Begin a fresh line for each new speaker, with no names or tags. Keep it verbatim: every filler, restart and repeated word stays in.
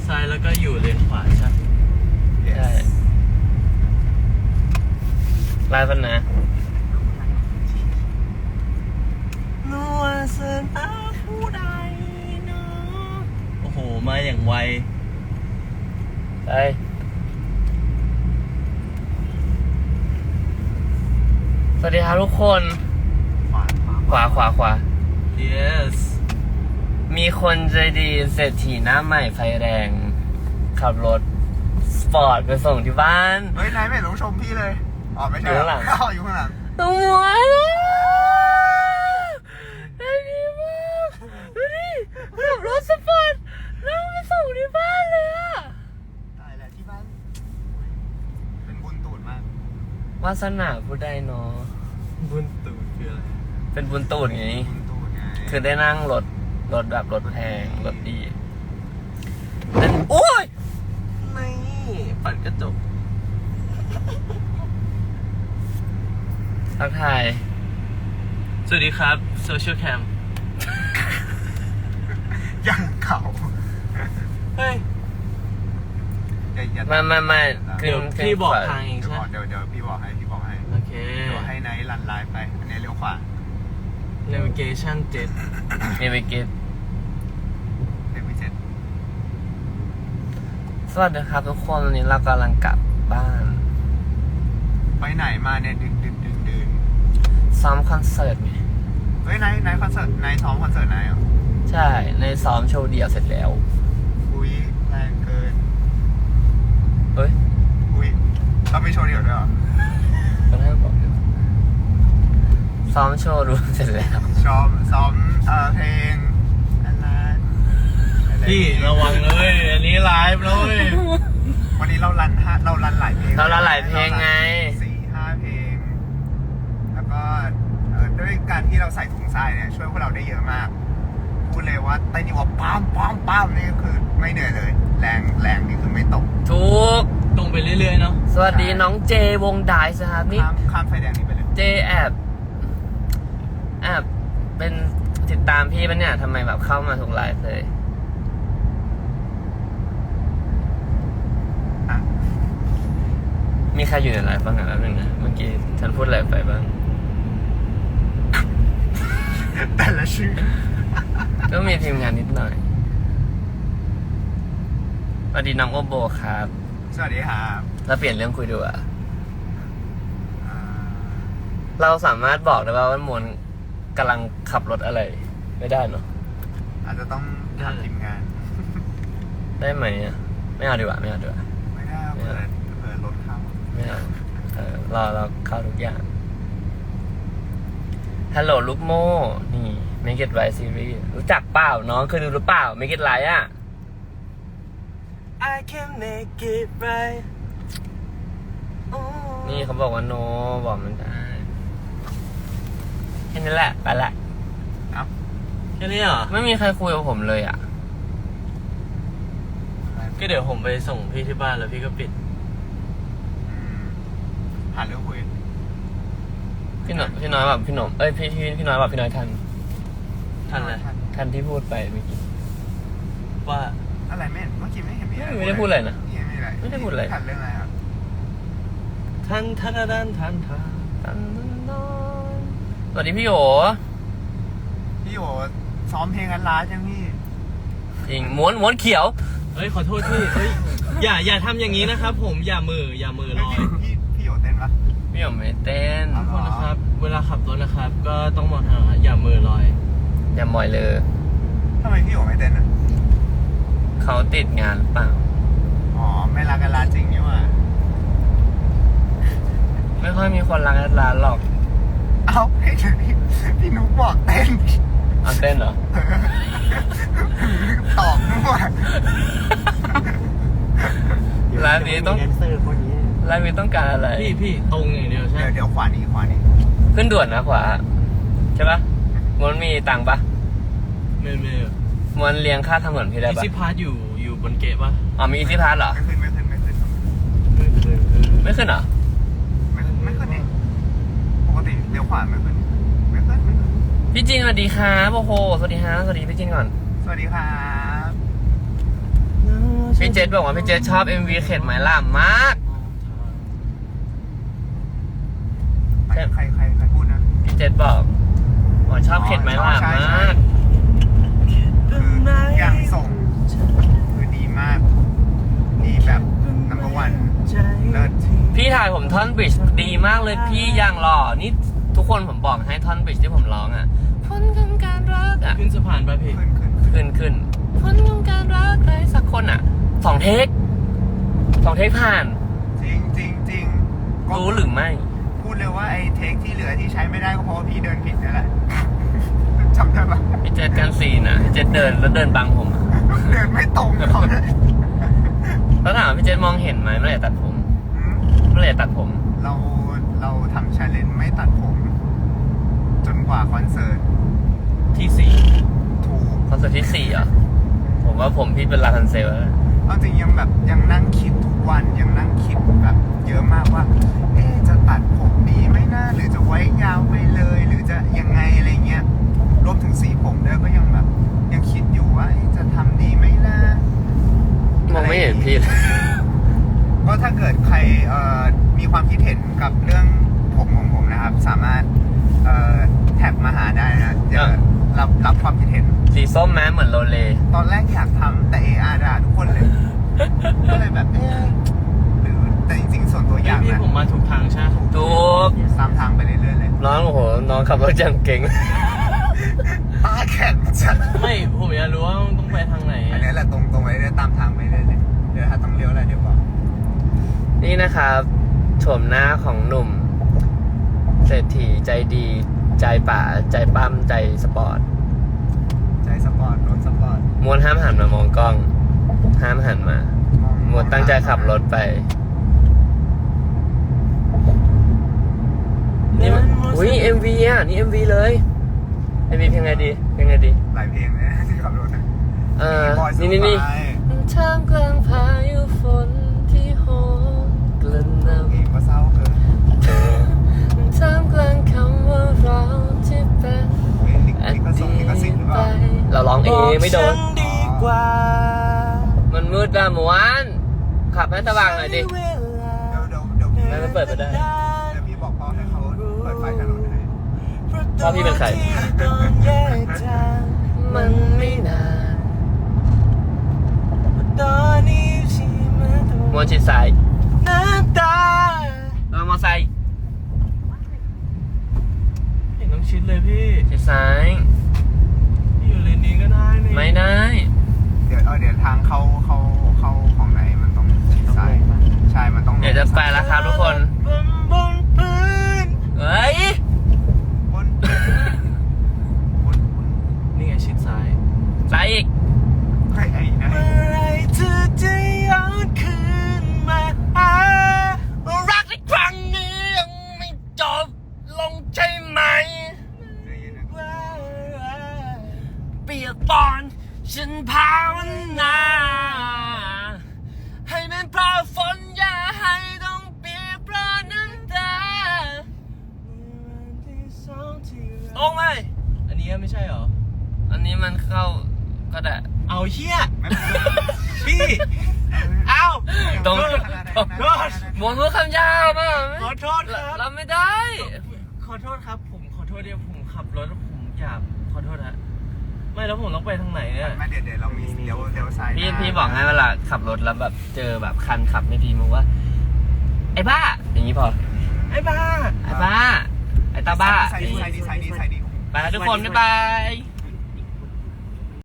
ซ้ายแล้วก็อยู่เลนขวาใช่
ใช่ลายปันนะนัวเสินอาผู้ใดเนาะ
โอ้โหมาอย่างไว
ไปสวัสดีครับทุกคนขวาขวาขวา
yes
มีคนใจดีเศรษฐีหน้าใหม่ไฟแรงขับรถสปอร์ตไปส่งที่บ้าน
เฮ้ยนายไม่ต้องชมพี่เลยอ๋อไม่ใช่
อยู่ข้างหลัง
อยู่ข้างหลัง
ตัวหมวยได้ดีมากดูดิขับรถสปอร์ตแล้วไปส่งที่บ้านเลยอะ
ตายแล้วที่บ้านเป็นบุญตูดมาก
วาสนาผู้ใดเนาะ
บุญตูดคืออะไร
เป็นบุญตูดไง
บุญตูดไง
คือได้นั่งรถรถแบบรถแพงรถดีแต่โอ้ย
ไม่ปัดกระจก
ทักทาย
สวัสดีครับโซเชียลแคม
ยังเก่า
เฮ้ย
มามามา
เดี๋ยวพี่บอกทางเองใช่ไหม
เดี๋ยวเดี๋ยวพี่บอกให้พี่บอกให้
โอเค
เดี๋ยวให้ไนท์รันไลน์ไปอันนี้เลี้ยวขวา
navigation เจ็ด
navigate
เนวิเจ็ด
สวัสดีครับทุกคนวันนี้เรากำลังกลับบ้าน
ไปไหนมาเนี่ยดึงดึงดึงดึง
ซ้อมคอนเสิร์ตไง
เฮ้ยไนท์ไนท์คอนเสิร์ตไนท์ซ้อมคอนเสิร์ตไนท์เหรอ
ใช่ในซ้อมโชว์เดี่ยวเสร็จแล้ว
อุ้ยแรงเกิน
เฮ้ย
อุ้ยเราไม่โชว์เดี่ยวด้วยเหรอ
ก็ได้บอกอยู่ซ้อมโชว์รวมเสร็จแล้ว
ซ้อมซ้อมเอ่อเพลงอะไร
พี่ระวังเลยอันนี้ไลฟ์เลย
วันนี้เรารันห้าเรารันหลายเพลง
เรารันหลายเพลงไง
สี่ห้าเพลงแล้วก็ด้วยการที่เราใส่ถุงทรายเนี่ยช่วยพวกเราได้เยอะมากพูดเลยว่าเต้นอยู่ว่าปั๊มปั๊มปั๊มนี่คือไม่เหนื่อยเลยแรงแรงนี่คือไม่ตก
ทุก
ตรงไปเรื่อยๆเนาะ
สวัสดีน้องเจวงดายสครับนี่
ข้ามไฟแดงนี่ไปเลย
เจแอบแอบเป็นติดตามพี่ปะเนี่ยทำไมแบบเข้ามาทุกไลฟ์เลยมีใครอยู่ในไลฟ์บ้างอ่ะแล้วนึงนะเมื่อกี้ฉันพูดอะไรไปบ้าง
แต่ละชื่อ
ก็มีทีมงานนิดหน่อยสวัสดีน้องโอโบครับ
สวัสดีครับ
เราเปลี่ยนเรื่องคุยดูอ่ะเราสามารถบอกได้ว่าว่ามวลกำลังขับรถอะไรไม่ได้เนาะ
อาจจะต้องถามทีมงาน
ได้ไหมอ่ะไม่เอาดีกว่าไม่เอาดีกว่า
ไม่ได้เปิดเปิดรถเข้า
ไม่เอาเออรอเราเข้าทุกอย่างฮัลโหลลูกโม่นี่ Make It Right Series รู้จักเปล่าน้องเคยดูหรือเปล่า Make It Right อ่ะ I can make it right นี่เขาบอกว่าโนบอกมันได้แค่นี้แหละไปละ
เอ้า
แค่นี้เหรอ
ไม่มีใครคุยกับผมเลยอ่ะ
ก็เดี๋ยวผมไปส่งพี่ที่บ้านแล้วพี่ก็ปิด
หาเรื่องคุย
พี่หนุ่มพี่น้อยแบบพี่หนุ่มเอ้ยพี่พี่พี่น้อยแบบพี่น้อยทัน
ทันเลย
ทันที่พูดไปเมื่อกี้
ว่า
อะไรไม่เมื่อกี้ไม่เห็นมีอะไร
ไม่ได้พูดอะไรนะ
ไม่
ได้พูดอะไร
ทันเรื่องอะไรครับ
ทันทันทันทันทันทัน
สวัสดีพี่โอ
พี่โอซ้อมเพลงกันล้าจังพี่
จริงม้วนม้วนเขียว
เฮ้ยขอโทษพี่เฮ้ยอย่าอย่าทำอย่างนี้นะครับผมอย่ามืออย่ามือลอย
พี่พี่โอเต้นปะ
พี่โอไม่เต้น
ทุกคนนะครับเวลาขับรถนะครับก็ต้องมองทางอย่ามือลอย
อย่ามอยเลย
ทำไมพี่โอไม่เต้นอ่ะ
เขาติดงานหรือเปล่า
อ๋อไม่รักกันล้าจริงนี่ว่า
ไม่ค่อยมีคนรักกันล้าหรอก
เอ้าพี่พี่นุ๊กบอกเต้น
เอาเต้นเหรอ
ตอบด้วย
ร้านนี้ต้องร้านนี้ต้องการอะไร
พี่พี่ตรงอย่างเดียวใช่
เดี๋ยวขวานี้ขวานี้
ขึ้นด่วนนะขวาใช่ปะมันมีตังค์ปะ
ไม่ไม่
มันเลี้ยงค่าทางด่วนพี่ได้ปะ
อีซี่พาสอยู่อยู่บนเกะปะ
อ๋อมีอีซี่พาสเหรอ
ไม่ขึ้นไม่ขึ้นไม่ขึ้น
ไม่ขึ้น
ไม่ขึ้นเหรอ
ไม่ไม่ขึ้นนี่ปกติเลี้ยวขวาไม่ขึ้นไม่ขึ้นไม่ขึ้น
พี่จินสวัสดีครับโอ้โหสวัสดีฮะสวัสดีพี่จินก่อน
สวัสดีครับ
พี่พี่เจษบอกว่าพี่เจษชอบ เอ็ม วี เข็ดไหมล่ะมาก
ใครใครใครใครพูดนะ
พี่เจษบอกว่าชอบเข็ดไหมล่ะ
ใช่
ม
ใช่
าก
คือทุกอย่างส่งคือดีมาก ดีแบบ number one เลิศ
พี่ถ่ายผมท่อนบริดจ์ดีมากเลยพี่อย่างหล่อนี่ทุกคนผมบอกให้ท่อนบริดจ์ที่ผมร้องอ่ะพ้นของการรักอ่ะ
ขึ้นสะพานไปพี่
ขึ้นขึ้น
ขึ้นขึ้นพ้นของการรักใครสักคนอ่ะสองเทคสองเทคผ่าน
จริงจริงจริงก็
รู้หรือไม่
พูดเลยว่าไอ้เทคที่เหลือที่ใช้ไม่ได้ก็เพราะว่าพี่เดินผิดนั่นแหละ จำได้ปะ
พี่เจษกันซีนอ่ะพี่เจษเดินแล้วเดินบังผมอะ
เดินไม่ตรงเขาเลย
แล้วถามว่าพี่เจษมองเห็นไหมเมื่อไหร่ตัดผม
อืม
เมื่อไหร่ตัดผม
เราเราทำชาเลนจ์ไม่ตัดผม จนกว่าคอนเสิร์ต
ที่สี่
ถูก
คอนเสิร์ตที่สี่เหรอผมว่าผมพี่เป็นลาทันเซลแล้ว
เอาจริงยังแบบยังนั่งคิดทุกวันยังนั่งคิดแบบเยอะมากว่า เอ๊ะจะตัดผมดีไหมนะหรือจะไว้ยาวไปเลย หรือจะยังไงอะไรเงี้ยรวมถึงสีผมด้วยก็ยังแบบยังคิดอยู่ว่าเอ๊ะจะทำดีไหมนะ
มองไม่เห็นพี่เลย
ก็ถ้าเกิดใครเอ่อมีความคิดเห็นกับเรื่องผมของผมนะครับ สามารถเอ่อแท็กมาหาได้นะจะรับรับความคิดเห็น
สีส้มแม้เหมือนโรเล
ตอนแรกอยากทำแต่เออาด่าทุกคนเลย ก็เลยแบบเอ๊ะหรือแต่จริงๆ ส่วนตัวอยาก
พี่
นะ
ผมมาถูกทางใช่ไหม
ถูก
ตามทางไปเรื่อยๆเลย
น้องโอ้โหน้องขับรถยังเก่ง
ตาแข็งจัด
ไม่ผมอยากรู้ว่าต้องไปทางไหน
อันนี้แหละตรงตรงๆไปเรื่อยๆตามทางไปเรื่อยๆเลยเดี๋ยวถ้าต้องเลี้ยวอะไรเดี๋ยวบอก
นี่นะครับโฉมหน้าของหนุ่ม เศรษฐีใจดี ใจป่า ใจปั้มใจสปอร์ต
ใจสปอร์ตรถสปอร์ต
มวนห้ามหันมามองกล้อง ห้ามหันมา
มอง
มวนตั้งใจขับรถไป นี่มันอุ้ย เอ็ม วี อ่ะ นี่ เอ็ม วี เลย เอ็ม วี เพลงไงดีเพลงไงดี
หลายเพลงเลยนะที่ขับรถนะ
เออ
บอย
นี่นี่นี่
สบาย
ท่ามกลางพายุฝนที่โหมกระหน่ำ
เพลงก็เศร้าเกิน
ท่ามกลางคำว่าเราที่เป็น
เพลงลิข
อ
ลิขสิท
ดี
ธิ์ลิขสิทธิ์หรือ
ต
เปล่า
ไปเราร้องเองไม่โดน
ดีกว่า
มันมืดอะหมวนขับให้สว่างหน่อยดิ
เดี๋ยวเดี๋ยวเดี๋ยวพี่
ไม่ไม่เปิดไปได้
เดี๋ยวพี่บอกพ่อให้เขาเปิดไฟถนนให้
พ่อพี่เป็นใคร มันไม่นาน
ตอนนี้ชีมาตัว
มวนชิดซ้าย
น้ำตา
เรามอไซค์
เห็นต้องชิดเลยพี่
ชิดซ้าย
พี่อยู่เลนนี้ก็ได้นี่
ไม่ได้
เดี๋ยวเออเดี๋ยวทางเข้าเข้าเข้าของไหนมันต้องชิดซ้ายใช่มันต้อง
เดี๋ยวจะไปแล้วครับทุกคน
บนบนพื้น
เฮ้ย
บนบนบน
นี่ไงชิดซ้าย
ซ้ายอีก
ใครไอ้นะ
เมื่อไรเธอจะย้อนคืนมาหา
รักในครั้งนี้ยังไม่จบลงใช่ไหม
ใจเย็นนะ
เปียกปอนฉันภาวนาให้มันเพราะฝนอย่าให้ต้องเปียกเพราะน้ำตาตรงไหม
อันนี้ไม่ใช่เหรอ
อันนี้มันเข้าก็ได้
เอาเชี่ย
ไม่เป็นไร
พี่ เอา
ตรง
ขอโทษ
หมวนพูดคำยาวป่ะ
ขอโทษครับ
เราไม่ได้
ขอโทษครับ ผมขอโทษเดียวผมขับรถแล้วผมอยากขอโทษฮะไม่แล้วผมต้องไปทางไหนเนี่ย
ไม่เดี๋ยวเดี๋ยวเรามีเดี๋ยวเดี๋ยวซ้าย
พี่
หน้า
พี่บอกให้เวลาขับรถแล้วแบบเจอแบบคันขับไม่ดีมึงว่า ไอ้บ้า อย่างนี้พอ
ไอ้บ้า
ไอ้บ้า ไอ้ตาบ้า
ใส่ดีใส่ดีใส่ดีใส่ดี
ไปแล้วทุกคนบ๊ายบาย